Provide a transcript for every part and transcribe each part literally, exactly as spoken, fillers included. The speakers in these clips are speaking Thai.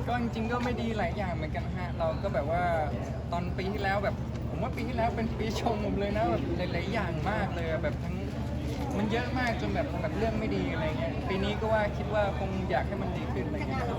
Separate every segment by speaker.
Speaker 1: ก็จริงๆก็ไม่ดีหลายอย่างเหมือนกันฮะเราก็แบบว่าตอนปีที่แล้วแบบผมว่าปีที่แล้วเป็นปีชงผมเลยนะแบบหลายๆอย่างมากเลยแบบทั้งมันเยอะมากจนแบบแบบเรื่องไม่ดีอะไรเงี้ยปีนี้ก็ว่าคิดว่าคงอยากให้มันดีขึ้นอะไรเงี้ย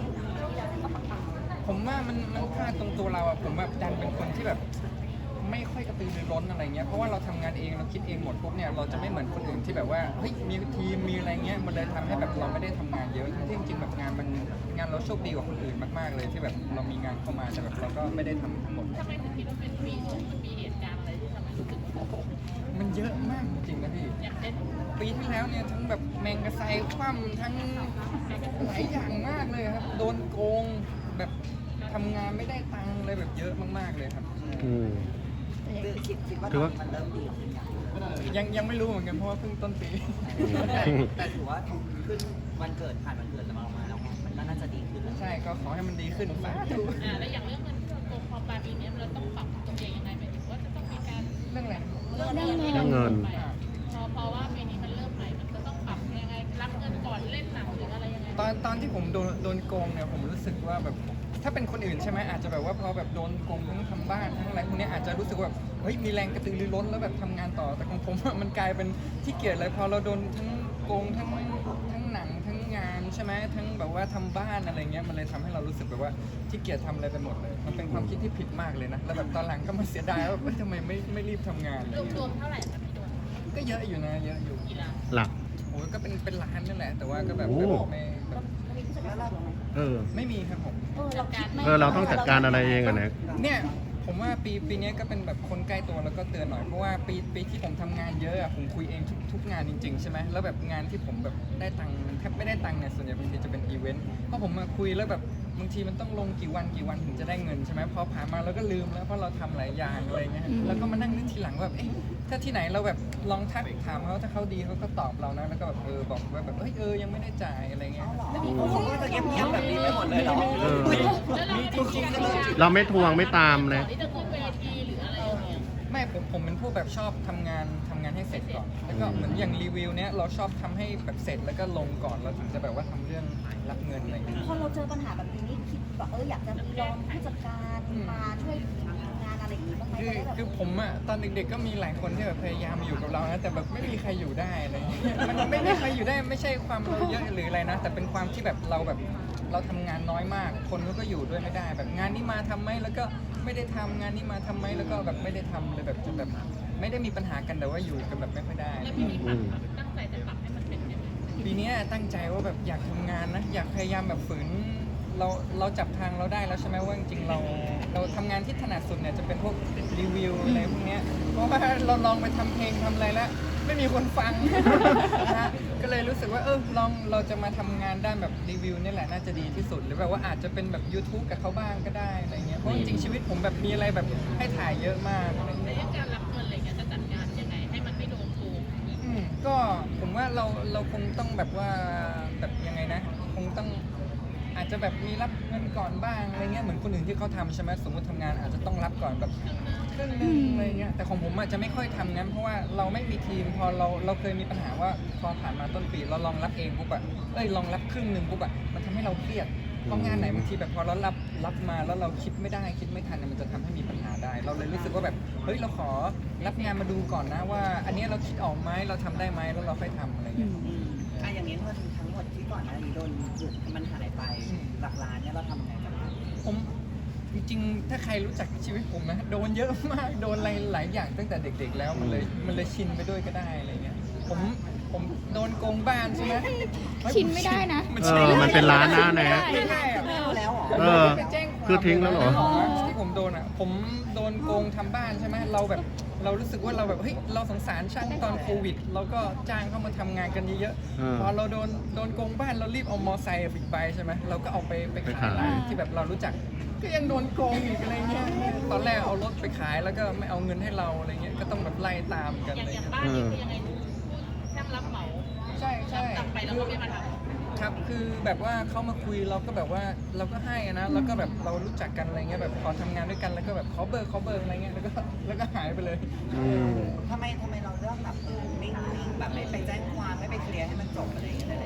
Speaker 1: ผมว่ามันมันพลาดตรงตัวเราอะผมแบบดันเป็นคนที่แบบไม่ค่อยกระตือรือร้นอะไรเงี้ยเพราะว่าเราทำงานเองเราคิดเองหมดปุ๊บเนี่ยเราจะไม่เหมือนคนอื่นที่แบบว่าเฮ้ยมีทีมมีอะไรเงี้ยมันเลยทำให้แบบเราไม่ได้ทำงานเยอะทั้งที่จริงๆแบบงานมันงานเราโชคดีกว่าคนอื่นมากๆเลยที่แบบเรามีงานเข้ามาแต่แบบเราก็ไม่ได้ทำทั้งหมด
Speaker 2: ทำไมถึงคิดว่าเป็นปีชงมันมีเหตุการณ์อะไรที่ทำให้รู้สึกว่าโอ้โห
Speaker 1: มันเยอะมากจริงๆนะพี่
Speaker 2: อย่างเช่น
Speaker 1: ปีที่แล้วเนี่ยทั้งแบบแมงกะไซคว่ำทั้งหลายอย่างมากเลยครับโดนโกงแบบทำงานไม่ได้ตังค์เลยแบบเยอะมากๆเลยครับ
Speaker 3: อืม
Speaker 4: คือคิดคิดว่า
Speaker 3: ถือว่า
Speaker 4: มันเริ่มดีขึ้นอย่าง
Speaker 1: ยังยังไม่รู้เหมือนกันเพราะว่าเพิ่งต้นปี
Speaker 4: แต่แต่ถือว่าขึ้นวันเกิดผ่านวันเกิดเรามาแล้วมันก็น่าจะดีขึ้นแล้ว
Speaker 1: ใช่ก็ขอให้มันดีขึ้นสาธุ
Speaker 2: อ่าแล้วอย่างเรื่องเงินโกงพอปลายปีนี้เราต้องปรับตัวเองยังไงหมายถึงว่าจะต้องมีการ
Speaker 1: เรื่องอะไร
Speaker 2: เรื่องเงินที่
Speaker 3: เรื่
Speaker 2: เรา
Speaker 3: องเงิน
Speaker 2: ไปอะพอเพราะว่าปีนี้มันเริ่มใหม่มันก็ต้องปรับยังไงรับเงินก่อนเล่นหนังหรืออะไรยังไง
Speaker 1: ตอนตอนที่ผมโดนโดนโกงเนี่ยผมรู้สึกว่าแบบถ้าเป็นคนอื่นใช่ไหมอาจจะแบบว่าพอแบบโดนโกงทั้งทำบ้านทั้งอะไรพวกเนี้ยอาจจะรู้สึกว่าเฮ้ยมีแรงกระตือรือร้นแล้วแบบทำงานต่อแต่ของผมอะมันกลายเป็นที่เกียจเลยพอเราโดนทั้งโกงทั้งทั้งหนังทั้งงานใช่ไหมทั้งแบบว่าทำบ้านอะไรเงี้ยมันเลยทำให้เรารู้สึกแบบว่าที่เกียจทำอะไรไปหมดเลยมันเป็นความคิดที่ผิดมากเลยนะแล้วแบบตอนหลังก็มาเสียดายว่าเอ้ยทำไมไม่ไม่รีบทำงานอะไร
Speaker 2: รวม
Speaker 1: เงี้
Speaker 2: รวย มๆเท่าไหร่คะพี่โดน
Speaker 1: ก็เยอะอยู่นะเยอะอยู่
Speaker 2: กี่ล้าน
Speaker 3: หลัก
Speaker 1: โอ้ยก็เป็นเป็นล้านนั่นแหละแต่ว่าก็แบบ
Speaker 3: โอ้
Speaker 1: แบบไม่แบบ
Speaker 4: แล้วเรา
Speaker 3: เออ
Speaker 1: ไม่มีครับผม
Speaker 2: จัดการ
Speaker 3: เออ เราต้องจัดการอะไรเองอะนะ
Speaker 1: เนี่ยผมว่าปีปีนี้ก็เป็นแบบคนใกล้ตัวแล้วก็เตือนหน่อยเพราะว่าปีปีที่ผมทำงานเยอะอะผมคุยเองทุกทุกงานจริงๆใช่ไหมแล้วแบบงานที่ผมแบบได้ตังค์แทบไม่ได้ตังค์เนี่ยส่วนใหญ่บางทีจะเป็นอีเวนต์เพราะผมมาคุยแล้วแบบบางทีมันต้องลงกี่วันกี่วันถึงจะได้เงินใช่ไหมพอผ่านมาเราก็ลืมแล้วเพราะเราทำหลายอย่างอะไรเงี้ยแล้วก็มานั่งนึกทีหลังว่าแบบเอ๊ะถ้าที่ไหนเราแบบลองทักถามเขาถ้าเขาดีเขาก็ตอบเรานะแล้วก็แบบเออบอกว่าแบบเฮ้ยเออยังไม่ได้จ่ายอะไรเงี้ย
Speaker 4: เขาก็จะเงียบๆแบบนี้ไปหมดเลยเหรอ
Speaker 3: เออ
Speaker 2: แล้วเราเป็นจริงๆเลย
Speaker 3: เราไม่ทวงไม่ตามเลย
Speaker 2: ที่จะขึ้นเวทีหรืออะไรอย่างเงี้ย
Speaker 1: ไม่ผมผมเป็นผู้แบบชอบทำงานทำงานให้เสร็จก่อนแล้วก็เหมือนอย่างรีวิวเนี้ยเราชอบทำให้แบบเสร็จแล้วก็ลงก่อนเราถึงจะแบบว่าทำเรื่องรับเงินอะไรอย่างเงี้ย
Speaker 5: พอเราเจอปัญหาแบบนี้นี่คิดแบบเอออยากจะมีลองผู้จัดการมาช่วยทำงานอะไรอย่างนี้บ้างไหม
Speaker 1: คือ
Speaker 5: จะได้แบบ
Speaker 1: คือผมอะตอนเด็กๆก็มีหลายคนที่แบบพยายามอยู่กับเรานะแต่แบบไม่มีใครอยู่ได้อะไรอย่างเงี้ยมันไม่มีใครอยู่ได้ไม่ใช่ความเราเยอะหรืออะไรนะ แต่เป็นความที่แบบเราแบบเราทำงานน้อยมาก คนเขาก็อยู่ด้วยไม่ได้ แบบงานนี้มาทำไหมแล้วก็ไม่ได้ทำงานนี้มาทำไหมแล้วก็แบบไม่ได้ทำเลยแบบจนแบบไม่ได้มีปัญหากันแต่ว่าอยู่กันแบบไม่ค่อยได้
Speaker 2: แล้วพี่มีปรับตั้งใจจะปรับให้มันเป็นยังไง
Speaker 1: ปีนี้ตั้งใจว่าแบบอยากทำงานนะอยากพยายามแบบฝืนเราเราจับทางเราได้แล้วใช่ไหมว่าจริงๆเราเราทำงานที่ถนัดสุดเนี่ยจะเป็นพวกรีวิวอะไรพวกเนี้ยเพราะว่าเราลองไปทำเพลงทำอะไรแล้วไม่มีคนฟัง นะฮะก็เลยรู้สึกว่าเออลองเราจะมาทำงานด้านแบบรีวิวนี่แหละน่าจะดีที่สุดหรือแบบว่าอาจจะเป็นแบบ YouTube กับเขาบ้างก็ได้อะไรเงี้ยเพราะจริงๆชีวิตผมแบบมีอะไรแบบให้ถ่ายเยอะมากอะไร
Speaker 2: ใน
Speaker 1: เงี้ย
Speaker 2: เรื่องการรับเงินอะไรเงี้ยจะจัดการยังไงให้มันไม่โดนโกง
Speaker 1: อืมก็ผมว่าเราเราคงต้องแบบว่าแบบยังไงนะ คงต้องอาจจะแบบมีรับเงินก่อนบ้างอะไรเงี้ยเหมือนคนอื่นที่เขาทำใช่ไหมสมมติทำงานอาจจะต้องรับก่อนแบบครึ่งหนึงอะไรเงี้ยแต่ของผมอาจจะไม่ค่อยทำงั้นเพราะว่าเราไม่มีทีมพอเราเราเคยมีปัญหาว่าพอผ่านมาต้นปีเราลองรับเองปุ๊บอะเอ้ยลองรับครึ่งหนึ่งปุ๊บอะมันทำให้เราเครียดเพราะงานไหนบางทีแบบพอเรารับรับมาแล้วเราคิดไม่ได้คิดไม่ทันเนี่ยมันจะทำให้มีปัญหาได้ เราเลยรู้สึกว่าแบบเฮ้ยเราขอรับงานมาดูก่อนนะว่า อันเนี้ยเราคิดออกไหมเราทำได้ไหมแล้วเราค่อยทำอะไรเงี้ย
Speaker 4: อืมอ่ะอย่างนี้เงินทั้งหมดที่ก่อนหน้านี้โดนบุกมันหายไปหลักล้านเนี่ยเราทำยังไงกันบ้าง
Speaker 1: ผมจริงๆ ถ้าใครรู้จักชีวิตผมนะโดนเยอะมากโดนอะไรหลายอย่างตั้งแต่เด็กๆ แล้วมันเลยมันเลยชินไปด้วยก็ได้อะไรเงี้ยผมผมโดนโกงบ้านใช่ไหม
Speaker 5: ชินไม่ได้นะ
Speaker 1: มัน
Speaker 3: เอ
Speaker 1: ใช่
Speaker 3: อ มันเป็นร้านนะแนะ
Speaker 1: ไม่ได้อะ
Speaker 4: แล้วเหรอ
Speaker 3: เออ
Speaker 1: ไปแจ้งความ
Speaker 3: คือทิ้งแล้วเหรอ
Speaker 1: ที่ผมโดนอ่ะผมโดนโกงทำบ้านใช่ไหมเราแบบเรารู้สึกว่าเราแบบเฮ้ยเราสงสารช่างตอนโควิด เราก็จ้างเขามาทำงานกันเยอะ
Speaker 3: เออ
Speaker 1: ๆพอเราโดนโดนโกงบ้านเรารีบเอามอไซค์บิ๊กไบค์ใช่ไหมเราก็เอาไปไป
Speaker 3: ไป
Speaker 1: ขา
Speaker 3: ขาย ย
Speaker 1: ร้านที่แบบเรารู้จัก ก็ยังโดนโกงอีกอะไรเงี้ย ตอนแรกเอารถไปขายแล้วก็ไม่เอาเงินให้เราอะไรเงี้ย ก็ต้องแบบไล่ตามกัน
Speaker 2: อย่าง
Speaker 1: อะไร
Speaker 2: อย่าง
Speaker 1: เงี้ย
Speaker 2: บ้านนี่คือยังไงพูดช่างรับเหมา
Speaker 1: ใช่ใช่
Speaker 2: กลับไปแล้วก็ไม่มาทำ
Speaker 1: ครับ คือแบบว่าเขามาคุยเราก็แบบว่าเราก็ให้อะนะ แล้วก็แบบเรารู้จักกันอะไรเงี้ย แบบพอทำงานด้วยกันแล้วก็แบบขอเบอร์ขอเบอร์อะไรเงี้ย แล้วก็แล้วก็หายไปเลย
Speaker 3: อืม
Speaker 4: ทำไมทำไมเราเลือกแบบเออนิ่งๆแบบไม่ไปแจ้งความไม่ไปเคลียร์ให้มันจบอะไรอย่างเงี้ยอะไรอย่างเงี้ย
Speaker 1: ผ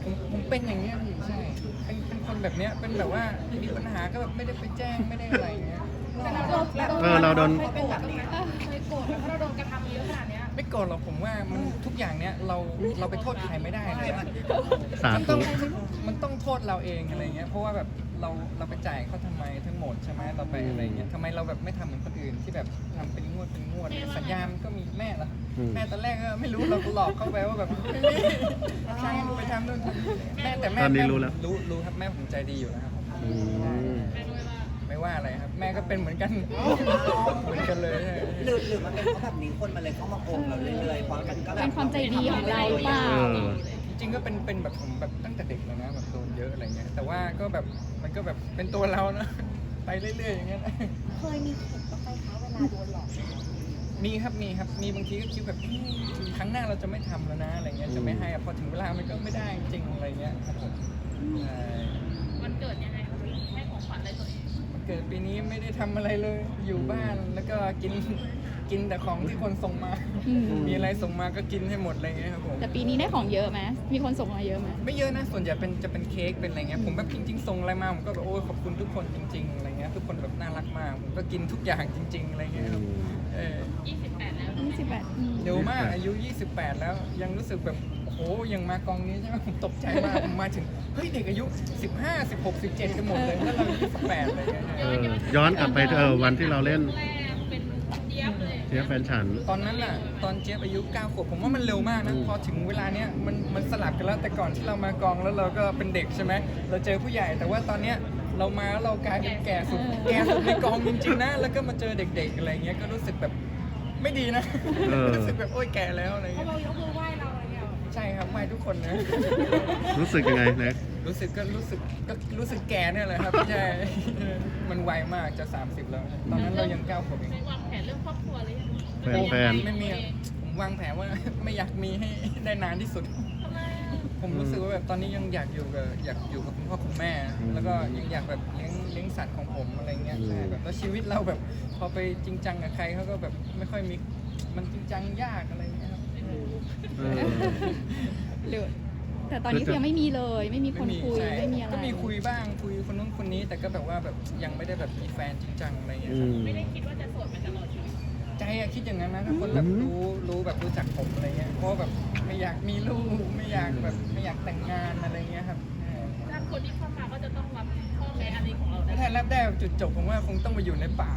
Speaker 1: ผมผมเป็นอย่างเงี้ยพี่ใช่เป็นเป็นคนแบบเนี้ยเป็นแบบว่ามีปัญหาก็แบบไม่ได้ไปแจ้งไม่ได้อะไรอย่างเงี้ย
Speaker 2: แต่เราโดน
Speaker 3: เออเราโดน
Speaker 4: เขาเป็นแบบนี้
Speaker 2: เคยโกรธเพราะเราโดนกระทำเยอะขนาดเนี้ย
Speaker 1: ไม่โกรธหรอกผมว่ามันทุกอย่างเนี้ยเราเราไปโทษใครไม่ได้เลยนะ
Speaker 3: สา
Speaker 1: มัน
Speaker 3: ธุ
Speaker 1: ต้องมันต้องโทษเราเองอะไรเงี้ยเพราะว่าแบบเราเราไปจ่ายเขาทำไมทั้งหมดใช่ไหมเราไปอะไรเงี้ยทำไมเราแบบไม่ทำเหมือนคนอื่นที่แบบทำเป็นงวดเป็นงวดสัญญามันก็มีแม่ละแม่ตอนแรกก็ไม่รู้เราก็หลอกเข้าไปว่าแบบไม่มีใช่ไปทำนู่นทำนี่แม่แต่แม่
Speaker 3: ตอนนี้
Speaker 1: แม่
Speaker 3: รู้แล้ว
Speaker 1: รู้รู้ครับแม่ผมใจดีอยู่แล้วครับ
Speaker 3: อืม
Speaker 2: แม่ด้วยว่า
Speaker 1: ไม่ว่าอะไรครับ แม่ก็เป็นเหมือนกันเหมือนกันเลยใช่
Speaker 4: หรือหรือมันเป็นเพราะแบบนี้คนมันเลยเข้ามาโกงเราเรื่อยๆเพราะมันก็แบบ
Speaker 6: เป็นความใจดีของเราหรือเปล่า
Speaker 3: เออ
Speaker 1: จริงๆก็เป็นเป็นแบบผมแบบตั้งแต่เด็กเลยนะแบบโดนเยอะอะไรเงี้ยแต่ว่าก็แบบมันก็แบบเป็นตัวเรานะไปเรื่อยๆอย่างเงี้ยนะ
Speaker 5: เคยมีเข็ดบ้างไหมคะเวลาโดนหลอก
Speaker 1: มีครับมีครับมีบางทีก็คิดแบบเอ๊ะครั้งหน้าเราจะไม่ทำแล้วนะอะไรเงี้ยจะไม่ให้อะพอถึงเวลามันก็ไม่ได้จริงๆอะไรเงี้ยครับผมใช่
Speaker 2: วันเกิดยังไงครับให้ของขวัญอะไรตัวเอง
Speaker 1: วันเกิดปีนี้ไม่ได้ทำอะไรเลยอยู่บ้านแล้วก็กินกินแต่ของที่คนส่งมา
Speaker 6: อืม
Speaker 1: มีอะไรส่งมาก็กินให้หมดอะไรเงี้ยครับผม
Speaker 6: แต่ปีนี้ได้ของเยอะไหมมีคนส่งมาเยอะไหม
Speaker 1: ไม่เยอะนะส่วนใหญ่เป็นจะเป็นเค้กเป็นอะไรเงี้ยผมแบบจริง ๆส่งอะไรมาผมก็แบบโอ้ยขอบคุณทุกคนจริงๆอะไรเงี้ยทุกคนแบบน่ารักมากผมก็กินทุกอย่างจริง ๆอะไรเงี้ยครับเออ
Speaker 2: ยี่สิบแปดแล้ว
Speaker 6: ยี่สิบแปดอืม
Speaker 1: เร็วมากอายุยี่สิบแปดแล้วยังรู้สึกแบบโอ้โหยังมากองนี้ใช่ไหมผมตกใจมากผมมาถึงเฮ้ยเด็กอายุสิบห้า สิบหก สิบเจ็ดกันหมดเลยแล้วเรายี่สิบแปดอะไรเงี้ย
Speaker 3: เออย้อนกลับไปเออวันที่เราเล่น
Speaker 2: แรกเป็นเจี๊ยบเลย
Speaker 3: เจี๊ยบแฟนฉัน
Speaker 1: ตอนนั้นน่ะตอนเจี๊ยบอายุเก้าขวบผมว่ามันเร็วมากนะ
Speaker 3: อืม
Speaker 1: พอถึงเวลาเนี้ยมันมันสลับกันแล้วแต่ก่อนที่เรามากองแล้วเราก็เป็นเด็กใช่ไหมเราเจอผู้ใหญ่แต่ว่าตอนเนี้ยเรามาแล้วเรากลายเป็นแก่สุดแก่สุดในกองจริงๆนะแล้วก็มาเจอเด็กๆอะไรเงี้ยก็รู้สึกแบบไม่ดีนะ
Speaker 3: เออ
Speaker 1: รู้สึกแบบโอ๊ยแก่แล้วอะไร
Speaker 2: เขา
Speaker 1: เงี้ย
Speaker 2: เรายกมือไหว้เราอะไรเงี้ย
Speaker 1: ใช่ครับไหว้ทุกคนนะ
Speaker 3: รู้สึกยังไงเน็ก
Speaker 1: รู้สึกก็รู้สึกก็รู้สึกแก่เนี่ยแหละครับใช่ มันไวมากจะสามสิบแล้ว ตอนนั้นเรายังเก้าขวบเอง
Speaker 2: ในวางแผนเรื่องครอบครัวเลย
Speaker 3: แฟนแฟน
Speaker 1: ไม่มีอะผมวางแผนว่า ไม่อยากมีให้ได้นานที่สุด
Speaker 2: ทำไม
Speaker 1: ผมรู้สึกว่าแบบตอนนี้ยังอยากอยู่กับอยากอยู่กับคุณพ่อคุณแม่ แล้วก็ยังอยากแบบเลี้ยงเลี้ยงสัตว์ของผมอะไรเงี้ยใช่แบบแล้วชีวิตเราแบบพอไปจริงจังกับใครเขาก็แบบไม่ค่อยมีมันจริงจังยากอะไรเงี้ยครับ
Speaker 3: เออ
Speaker 6: หรือแต่ตอนนี้คือยังไม่มีเลย ไม่มีคนคุย
Speaker 1: ใช่
Speaker 6: ไม่มีอะไร
Speaker 1: ก็มีคุยบ้างคุยคนนู้นคนนี้ แต่ก็แบบว่าแบบยังไม่ได้แบบมีแฟนจริงจังอะไรเงี้ย
Speaker 3: อื
Speaker 1: ครับ
Speaker 3: ม
Speaker 2: ไม่ได้คิดว่าจะโสดไปตลอดชีวิต
Speaker 1: ใจอะคิดอย่างนั้นนะถ้าคนแบบรู้รู้แบบรู้จักผมอะไรเงี้ยเพราะแบบไม่อยากมีลูกไม่อยากแบบไม่อยากแต่งงานอะไรเงี้ยครับเออ
Speaker 2: ถ้าคนที่เข้ามาก็จะต้องรับข้อแม้อะไรของเรา
Speaker 1: ถ้า
Speaker 2: ได้
Speaker 1: แทนรับได้จุดจบผมว่าคงต้องมาอยู่ในป่า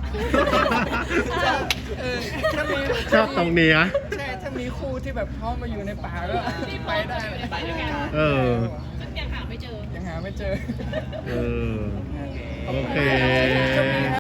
Speaker 1: เออถ้ามี
Speaker 3: ชอบตรงนี้อะ
Speaker 1: ใช่ถ้ามีคู่ที่แบบพร้อมมาอยู่ในป่าก็ไปได้
Speaker 2: ไปด้วยกัน
Speaker 3: เออ
Speaker 2: ซึ่งยังหาไม่เจอ
Speaker 1: ยังหาไม่เจอ
Speaker 3: เออ โอเค